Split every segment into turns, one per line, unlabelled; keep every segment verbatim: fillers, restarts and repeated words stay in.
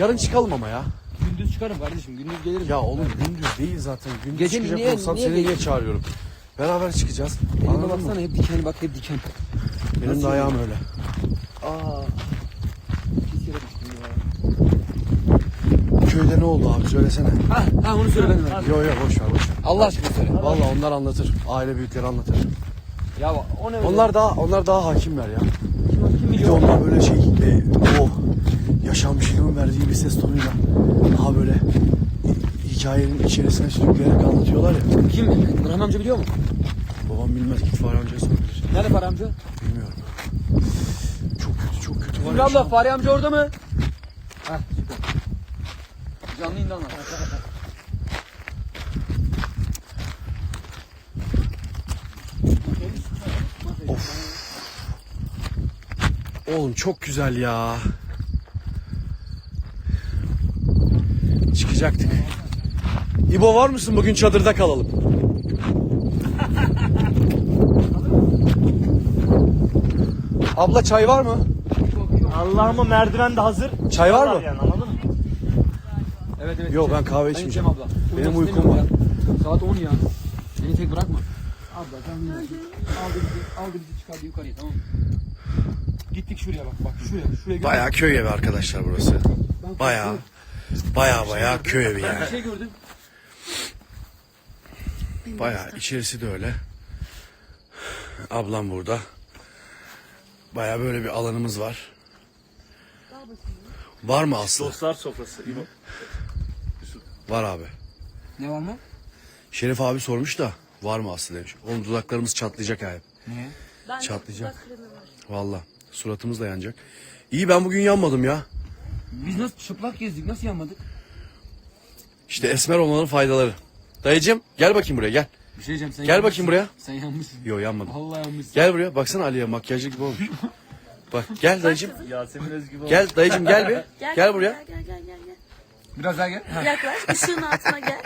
Yarın çıkalım ama ya.
Gündüz çıkarım kardeşim. Gündüz gelirim.
Ya oğlum gündüz değil zaten. Gündüz
Gece mi?
çıkacak
Niye-
olsam
niye
seni
gece?
niye çağırıyorum? Beraber çıkacağız.
Elime
Anladın mı?
baksana hep diken bak hep diken.
Benim
Nasıl
de ayağım öyle.
Aa. Pis yere düştüm ya.
Köyde ne oldu abi söylesene.
Ha, ha onu söyle ben.
Yo yo boş ver boş ver.
Allah aşkına söyle.
Vallahi onlar anlatır. Aile büyükleri anlatır.
Ya o ne öyle?
Onlar daha onlar daha hakimler ya.
kim, kim
Bir de
biliyor?
onlar böyle şey e, o yaşanmışlığın verdiği bir ses tonuyla daha böyle hikayenin içerisine sürükleyerek anlatıyorlar ya.
Kim? Nurhan amca biliyor mu?
Babam bilmez, git Fahri amcaya sorabilir.
Nerede Fahri amca?
Bilmiyorum. Çok kötü çok kötü var
Ümrü
ya.
abla Fahri amca orada mı? Heh süper. Canlı yayında anlat.
Oğlum çok güzel ya. Çıkacaktık. İbo var mısın? Bugün çadırda kalalım. Abla çay var mı?
Allah'ıma merdiven de hazır.
Çay var mı?
Yani, anladın mı?
Evet evet.
Yok,
içeceğim.
ben kahve
Ben
içmeyeceğim.
içeceğim abla.
Benim
Uyumak
uykum
istemiyorum ya. Saat on ya. Beni tek bırakma. Abla sen bilirsin. Aldı bizi, aldı bizi çıkardı yukarıya tamam mı? Gittik şuraya bak bak şuraya şuraya. gel.
Bayağı köy evi arkadaşlar burası.
Ben
Bayağı
korktum.
bayağı bayağı köy evi
Ben
yani.
bir şey gördüm.
Bayağı içerisi de öyle. Ablam burada. Bayağı böyle bir alanımız var. Var mı Aslı?
Dostlar sofrası. İbo.
Var abi.
Ne var mı?
Şerif abi sormuş da var mı Aslı demiş. Oğlum dudaklarımız çatlayacak abi.
Niye?
Çatlayacak. Valla suratımız da yanacak. İyi, ben bugün yanmadım ya.
Biz nasıl çıplak gezdik nasıl yanmadık?
İşte esmer olmanın faydaları. Dayıcım gel bakayım buraya gel.
Bir şey diyeceğim sen
Gel
yanmışsın.
bakayım buraya.
Sen yanmışsın.
Yo, yanmadım.
Allah yanmışsın.
Gel buraya, baksana Ali'ye makyajlı gibi olmuş. Bak gel dayıcım.
Yasemin Özgü gibi.
Gel dayıcım gel bir.
Gel,
Gel buraya.
Gel gel gel gel. gel.
Biraz daha gel.
Yaklaş ışığın altına gel.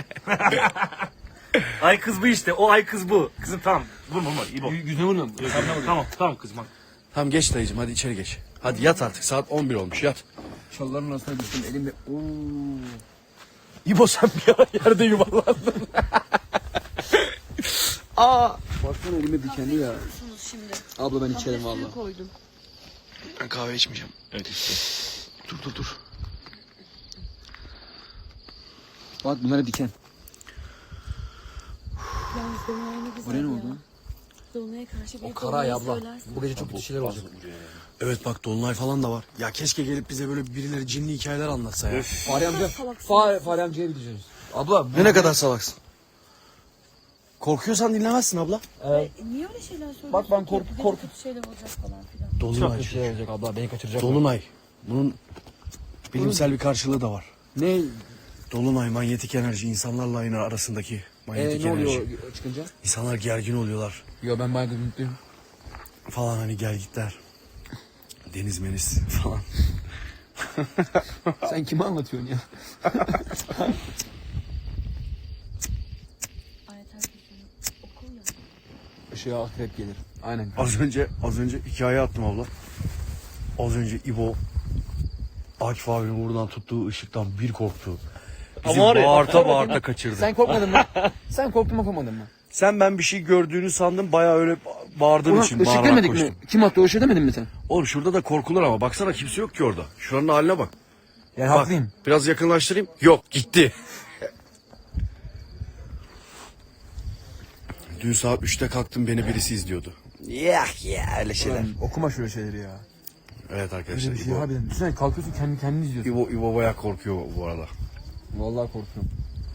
Ay kız bu işte. O ay kız bu. Kızım tamam. Vurma vurma. İbo.
Gü- Yüzüne vurma.
Tamam tamam, tamam kızım. bak.
Tamam geç dayıcım, hadi içeri geç. Hadi yat artık, saat on bir olmuş, yat.
Çalların arasına düştüm elimde. Oo.
İbo sen bir ara yerde yuvarlandın. Aa.
Baksana elime dikenli ya.
Musunuz şimdi?
Abla ben içerim
Kahve
valla.
suyu koydum.
Ben kahve içmeyeceğim.
Evet işte.
Dur dur dur.
Bak bunlara diken.
Yalnız Dolunay ne güzel
Oraya ne
ya.
oldu?
Dolunay'a karşı bir
O kara ay abla.
söylersin.
Bu gece çok kötü şeyler olacak.
Evet bak, dolunay falan da var. Ya keşke gelip bize böyle birileri cinli hikayeler anlatsa ya.
Fahri amca.
salaksın
Fahri, Fahri amcaya gideceğiz. Abla.
Ne ne kadar salaksın. Korkuyorsan dinlemezsin abla.
E, niye öyle şeyler söylüyorsun?
Bak ben
ki?
korku-
Bu gece
korku-
kötü şeyler olacak falan filan.
Çok
Dolunay.
kötü şeyler olacak abla. Beni kaçıracak.
Dolunay. Bunun bilimsel bir karşılığı da var.
Ne?
Dolunay manyetik enerji, insanlarla aynı arasındaki
Ee,
manyetik
ne
enerji.
oluyor çıkınca?
İnsanlar gergin oluyorlar
Yo ben bayağı mutluyum.
falan, hani gelgitler. Deniz meniz falan.
Sen kime anlatıyorsun ya?
Ayet herkesin okul ya.
Işığa akrep gelir. Aynen.
Az önce az önce hikaye attım abla. Az önce İbo Akif abinin buradan tuttuğu ışıktan bir korktu. Bizi
Ama var ya-
bağırta bağırta kaçırdı.
Sen korkmadın mı? Sen korktun mu korkmadın mı?
Sen ben bir şey gördüğünü sandım, bayağı öyle bağırdığın
Ulan
için
ışık
bağırarak
demedik
koştum.
mi? Kim attı o ışığı demedin mi sen?
Oğlum şurada da korkulur ama baksana, kimse yok ki orada. Şuranın haline bak.
Yani
Bak,
haklıyım.
biraz yakınlaştırayım. Yok, gitti. Dün saat üçte kalktım, beni birisi izliyordu. Ya ya öyle şeyler.
Lan, okuma şöyle şeyleri ya.
Evet arkadaşlar,
Öyle bir şey
İbo,
harbiden. Düşünsene kalkıyorsun kendi kendini izliyorsun.
İbo, İbo bayağı korkuyor bu arada.
Vallahi korkuyorum.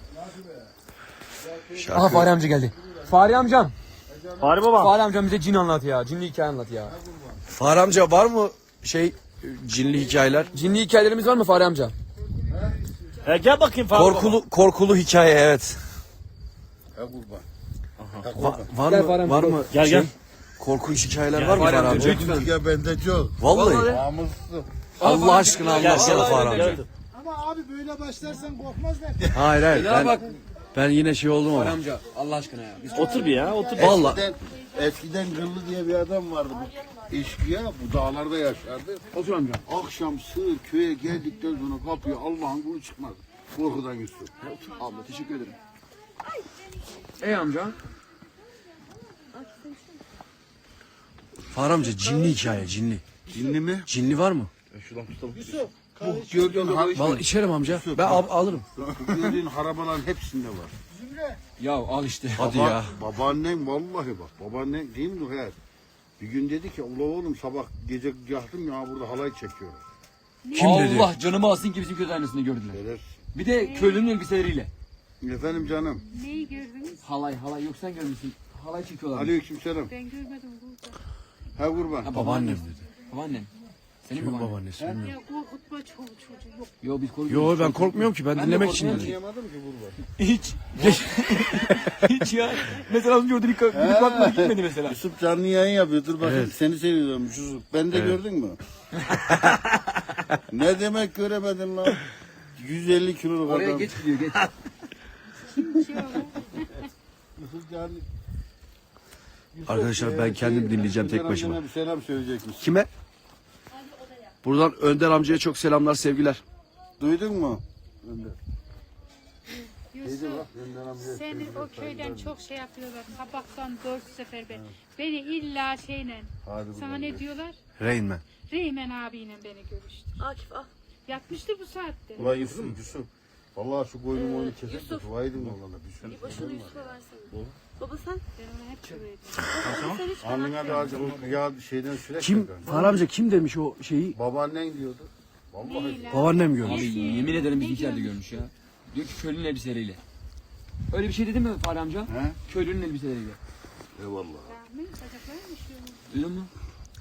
Şarkı...
Aha Fahri amca geldi. Fahri amcam.
Fahri baba.
Fahri amcam bize cin anlat ya. Cinli hikaye anlat ya.
Fahri amca var mı şey cinli hikayeler?
Cinli hikayelerimiz var mı Fahri amca?
E, gel bakayım Fahri
Korkulu korkulu hikaye, evet.
Ya kurban.
Va- var
Gel
mı
Fahri amca,
var
gel.
mı
Gel,
şey,
gel.
korkunç hikayeler
Gel
var mı
Fahri
Fahri
amca,
amca?
lütfen.
Ya bende çok.
Vallahi.
Namuslu.
Allah aşkına
Gel,
anlatsana
gel,
Fahri
gel,
amca.
gel.
Ama abi böyle başlarsan korkmazlar.
Hayır hayır.
Ya
Ben,
bak
Ben yine şey oldum
Fahri
ama.
amca Allah aşkına ya. Biz
Otur bir ya otur.
Vallahi.
Eskiden, eskiden Gırlı diye bir adam vardı. Bu eşkıya bu dağlarda yaşardı.
otur amca.
Akşam sığır köye geldikten sonra kapıya Allah'ın kulu çıkmaz. Korkudan Yusuf.
Abla teşekkür ederim. Ey amca.
Fahri amca cinli hikaye cinli.
Dinli mi?
Cinli var mı?
Bu gördüğün, har
Vallahi içerim amca. Ben al- alırım.
bu gördüğün harabaların hepsinde var.
Ya al işte.
Hadi
Baba-
ya.
Babaannem vallahi bak. Babaannem değil mi Nuher? Bir gün dedi ki Allah oğlum sabah gece yaktım ya burada halay çekiyor.
Kim dedi?
Allah canımı alsın ki bizim kötü aynısını gördüler.
Verir.
Bir de köylünün elbiseleriyle.
Efendim canım.
Neyi gördünüz?
Halay halay yok sen görmüşsün. Halay çekiyorlar.
Aleykümselam.
Ben görmedim burada.
Ha kurban.
Ha,
Babaannem dedi.
Babaannem. Senin
Kimin
babaannen.
babaannesi bilmiyorum.
Ya korkutma çoluk çocuğu yok.
Yo biz korkuyoruz.
Yo ben korkmuyorum ki ben,
Ben de
dinlemek için
korkmuyorum
dedim.
Anlayamadım ki kurban.
Hiç. Hiç ya. Mesela az önce orada bir, bir bakmaya gitmedi mesela.
Yusuf canlı yayın yapıyor. Dur bakayım
Evet.
seni seviyorum Yusuf. Ben de gördün mü? Ne demek göremedin lan? yüz elli kiloluk
Oraya
adam.
geç gidiyor geç.
Yusuf canlı. Yusuf,
Arkadaşlar ben
e,
kendim
şey,
dinleyeceğim tek
Önder
başıma.
amcana Bir selam söyleyecekmiş.
Kime? Buradan Önder amcaya çok selamlar sevgiler.
Duydun mu? Önder. Neydi
Yusuf
bak Önder amcaya
seni
söylüyor,
o köyden
sayın
çok şey yapıyorlar. Kabaktan dört sefer ben. Beni illa şeyle.
Hadi
Sana
bakalım.
ne diyorlar?
Rain Man.
Reymen abiyle beni görüştü.
Akif al.
Yatmıştı bu saatte.
Ulan Yusuf, Yusuf. Vallahi şu koyunu oyunu kesip de
Yusuf.
dua edin oğlana bir sürü.
İbo şunu Yusuf'a versene. Baba sen?
Ben ona hep şöyle
Baba sen hiç
Alnına da acı o ya şeyden sürekli.
Kim?
kanka.
Fahri amca kim demiş o şeyi?
Babaannen diyordu. Vallahi.
Neyle?
Babaannem
Abi
görmüş.
yemin ederim
Ne
bizimkiler de
görmüş?
görmüş ya. Diyor ki köylünün elbiseleriyle. Öyle bir şey dedi mi Fahri amca?
He?
Köylünün elbiseleriyle.
Eyvallah.
Rahmi bacaklarım üşüyor.
Duydun mu?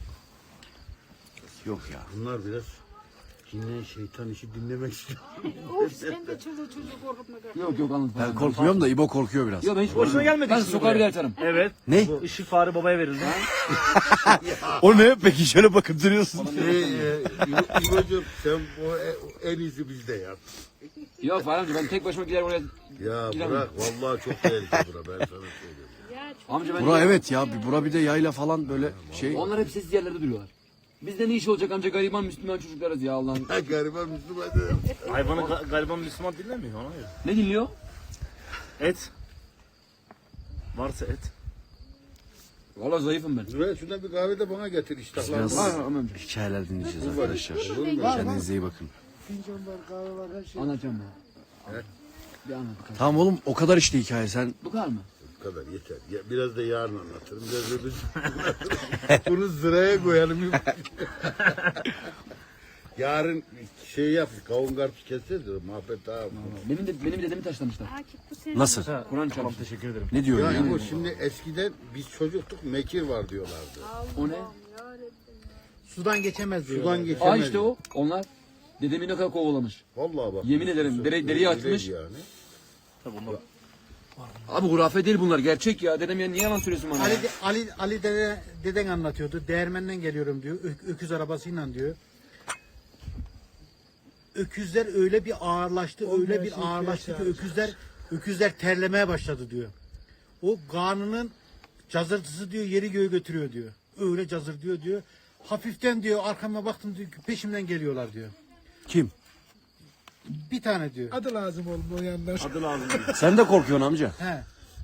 Yok ya.
Bunlar biraz cinle şeytan işi dinlemek istiyor.
Of sen de çoluğu çocuğu korkutma.
Yok yok anladım.
Ben korkmuyorum da İbo korkuyor biraz.
Yok ben hiç
Hoşuna gelmedi
Ben
şimdi
sokar
buraya.
bir atarım.
Evet.
Ne?
Bu ışık Fahri babaya verildi.
O ne? Peki şöyle bakıp duruyorsun.
Şey, e, İbo- İbo'cum sen bu e- en iyisi bizde ya.
Yok Fahri amca ben tek başıma gider oraya.
Ya
Giremem.
bırak vallahi çok tehlikeli bura ben sana söylüyorum.
Ya çok
Amca ben
Bura evet ya. bir- Bura bir de yayla falan böyle şey.
Onlar hep sessiz yerlerde duruyorlar. Bizde ne iş olacak amca gariban Müslüman çocuklarız ya Allah'ın.
Ha gariban Müslüman dedim.
Hayvanı ga- gariban Müslüman dinlemiyor ona göre.
Ne dinliyor?
Et. Varsa et.
Valla zayıfım ben.
Şuraya şuradan bir kahve de bana getir iştahlarım.
Biraz
Var amca.
hikayeler dinleyeceğiz arkadaşlar. Kendinize iyi bakın.
Anlatacağım ben. Bir anlat bakalım.
Tamam oğlum o kadar işte hikaye sen.
Bu kadar mı?
Bu kadar yeter. Ya, biraz da yarın anlatırım. Biraz da biz- Bunu sıraya koyalım. Yarın şey yap, kavun karpuz keseceğiz de muhabbet daha.
Benim de benim dedemi taşlamışlar.
Akif bu senin.
Nasıl?
Kur'an
Tamam
çarptı.
teşekkür ederim.
Ne diyor
Ya
ya?
bu şimdi eskiden biz çocuktuk mekir var diyorlardı.
O ne?
Sudan geçemez diyor.
Sudan geçemez.
Aa işte o. Onlar. Dedemi ne kadar kovalamış.
Vallahi bak.
Yemin ederim, dere- deriye
Öyle
atmış.
Yani.
Tabii onlar.
Abi hurafe değil bunlar. Gerçek ya. Dedem ya niye yalan söylüyorsun bana
Ali,
ya?
de- Ali, Ali dede, deden anlatıyordu. Değirmenden geliyorum diyor. Ö- öküz arabasıyla diyor. Öküzler öyle bir ağırlaştı, öyle bir ağırlaştı ki öküzler öküzler terlemeye başladı diyor. O karnının cazırtısı diyor yeri göğü götürüyor diyor. Öyle cazır diyor diyor. Hafiften diyor arkama baktım diyor peşimden geliyorlar diyor.
Kim?
Bir tane diyor.
Adı lazım oğlum o yanlar.
Adı lazım.
Sen de korkuyorsun amca.
He.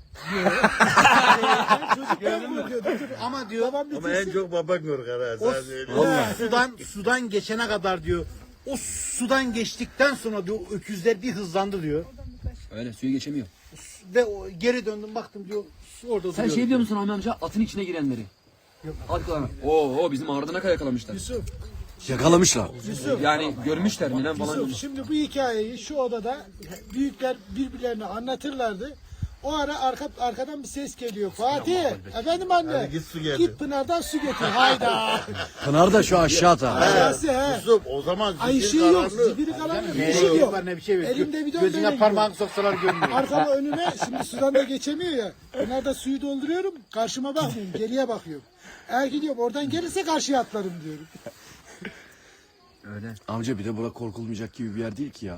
Çocuktan korkuyordu.
Ama diyor
Ama en çok baban korkar ha.
o
Sen söyle.
o sudan sudan geçene kadar diyor. O sudan geçtikten sonra diyor öküzler bir hızlandı diyor.
Öyle suyu geçemiyor.
Ve o, geri döndüm baktım diyor su orada
Sen
duruyor
şey biliyor musun Ahmet amca? Atın içine girenleri. Atlar. Oo, oo bizim ağrıdına kadar yakalamışlar.
Yusuf,
Yakalamışlar.
Yusuf,
Yani görmüşler mi lan falan.
Yusuf şimdi bu hikayeyi şu odada büyükler birbirlerine anlatırlardı. O ara arka, arkadan bir ses geliyor. Fatih, efendim anne.
Hadi git su getir.
Git Pınar'dan su getir. Hayda.
Pınar da şu aşağıda.
Aşağısı he.
Yusuf o zaman
Ay
zifir
ışığı yok.
karanlık.
Zibiri karanlık.
Ne
Işık
şey
yok.
var ne bir şey yok.
Elimde bidon
Gözüne
böyle
parmağını soksalar görmüyor.
Arkama önüme şimdi sudan da geçemiyor ya. Pınar'da suyu dolduruyorum. Karşıma bakmıyorum. Geriye bakıyorum. Eğer gidiyorum oradan gelirse karşıya atlarım diyorum.
Öyle.
Amca bir de bura korkulmayacak gibi bir yer değil ki ya.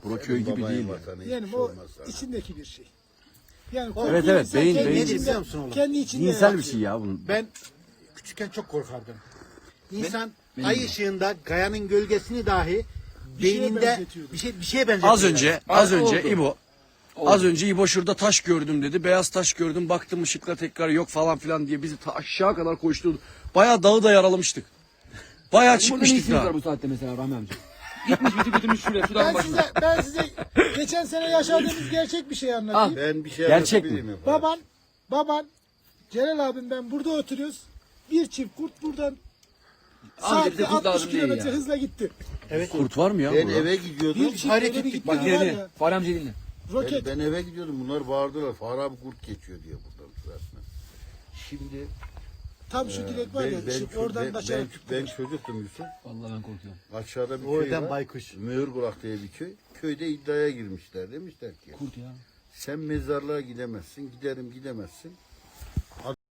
Bura köy gibi
Babayın
değil.
vatanı, hiçbir
Yani
şey
o
olmaz sana.
içindeki bir şey. Yani
Evet,
korkuyor
evet,
insan
beyin-
kendi
beyin-
içinde-
biliyor musun oğlum?
Kendi içinde
Dinsel bir
yaratıyor.
şey ya bunun.
Ben küçükken çok korkardım. İnsan ay ışığında kayanın gölgesini dahi
şeye
beyninde
benzetiyordu.
bir şey bir şeye benzetiyor.
Az önce, az
Oldu.
önce İbo, az önce İbo şurada taş gördüm dedi. Beyaz taş gördüm. Baktım ışıkla tekrar yok falan filan diye bizi ta aşağı kadar koşturdu. Bayağı dağı da yaralamıştık. Bayağı
Burada ne
çıkmıştık
işiniz
daha.
var bu saatte mesela Rahmi amca? Gitmiş bizi götürmüş şuraya. Şuradan
Ben
başına.
size, ben size geçen sene yaşadığımız gerçek bir şey anlatayım.
Ben bir şey
Gerçek
anlatabilir
mi?
miyim?
Baban, baban, Celal abim ben burada oturuyoruz. Bir çift kurt buradan
Abi bize
saatte
kurt
altmış
lazım değil
kilometre
ya.
hızla gitti.
Kurt var mı ya
Ben
burada?
eve gidiyordum.
Bir çift
hareket
öyle bir
ettik.
gitti
Bak
ki var
dinle.
ya,
Fahri amca dinle.
roket.
Ben, ben eve gidiyordum. Bunlar bağırdılar. Fahri abi kurt geçiyor diye buradan sırasına. Şimdi
Tam şu direk var
ben,
ya,
ben,
şu
ben,
oradan
ben,
aşağı
ben çocuktum Yusuf.
Vallahi ben korkuyorum.
Aşağıda bir
O
köy
yüzden
var.
baykuş.
Mühürkulak diye bir köy. Köyde iddiaya girmişler. Demişler ki
Kurt ya.
sen mezarlığa gidemezsin. Giderim gidemezsin.